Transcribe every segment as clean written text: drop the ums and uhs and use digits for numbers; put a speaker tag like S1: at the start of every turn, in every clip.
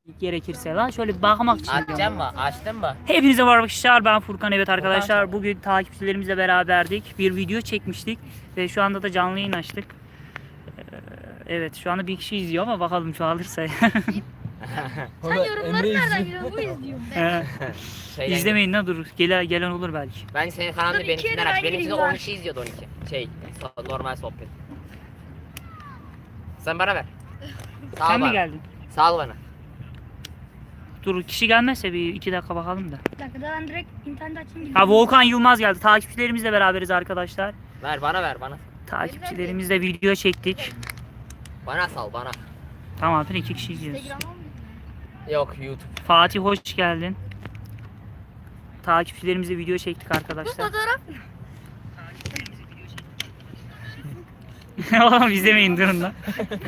S1: gerekirse lan şöyle bir bakmak için.
S2: Açacağım mı? Açtın mı?
S1: Hepinize merhaba arkadaşlar, ben Furkan. Evet arkadaşlar, bugün takipçilerimizle beraberdik. Bir video çekmiştik ve şu anda da canlı yayın açtık. Evet, şu anda bir kişi izliyor ama bakalım çoğalırsa.
S3: Sen yorumları nereden biliyorsun? Bu izliyorum ben.
S1: İzlemeyin lan, dur. Gelen olur belki.
S2: Ben senin kanalını
S3: Dur,
S2: benimkinden
S3: iki
S2: aç.
S3: yere
S2: Benimkinde
S3: var.
S2: 10 kişi izliyordu 12. Normal sohbet. Sen bana ver. Sağ ol
S1: Sen mi
S2: bana.
S1: geldin?
S2: Sağ ol bana.
S1: Dur, kişi gelmezse bir 2 dakika bakalım da.
S3: Bir dakika ben direkt internet açayım.
S1: Ha, Volkan Yılmaz geldi. Takipçilerimizle beraberiz arkadaşlar.
S2: Ver bana.
S1: Takipçilerimizle video çektik.
S2: Bana sal bana.
S1: Tamam, 2 kişi izliyoruz.
S3: Instagram'a mı?
S2: Yok YouTube.
S1: Fatih hoş geldin. Takipçilerimizle video çektik
S3: Bu
S1: arkadaşlar.
S3: fotoğraf
S1: Oğlum izlemeyin, durun lan.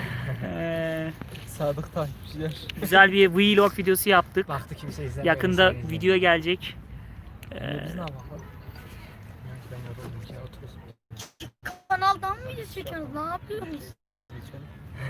S4: Sadık takipçiler.
S1: Güzel bir vlog videosu yaptık.
S4: Baktı kimse izlemiyor.
S1: Yakında video gelecek.
S4: Biz ne yapalım? Ben yoruldum ya, otururuz.
S3: kanaldan mı video çekiyoruz? Ne yapıyoruz?
S4: Geçelim.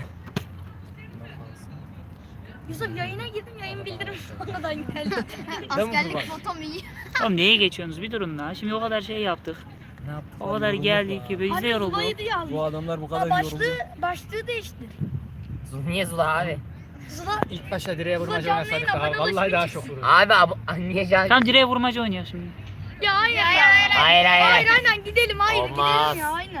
S3: Yusuf yayına girdim, yayın bildirim sonradan geldi.
S4: Askerlik
S3: fotom iyi.
S1: Oğlum neye geçiyorsunuz, bir durun lan. Şimdi o kadar şey yaptık.
S4: Ne yaptık?
S1: O kadar geldik ki biz de yorulduk.
S4: Bu adamlar bu kadar
S3: Ha,
S4: yoruldu.
S3: başlığı değiştir.
S2: Niye Zula abi?
S3: Zula
S4: İlk başta direğe vurmaca
S3: canlı
S4: oynasadık
S3: yayın
S4: daha.
S3: abone
S4: Vallahi
S3: oluşu
S4: daha
S3: için.
S4: çok vururdu.
S2: Abi niye can?
S1: Tam direğe vurmaca oynuyor şimdi.
S3: ya hayır.
S2: Hayır.
S3: Aynen gidelim
S2: Olmaz.
S3: gidelim ya aynen.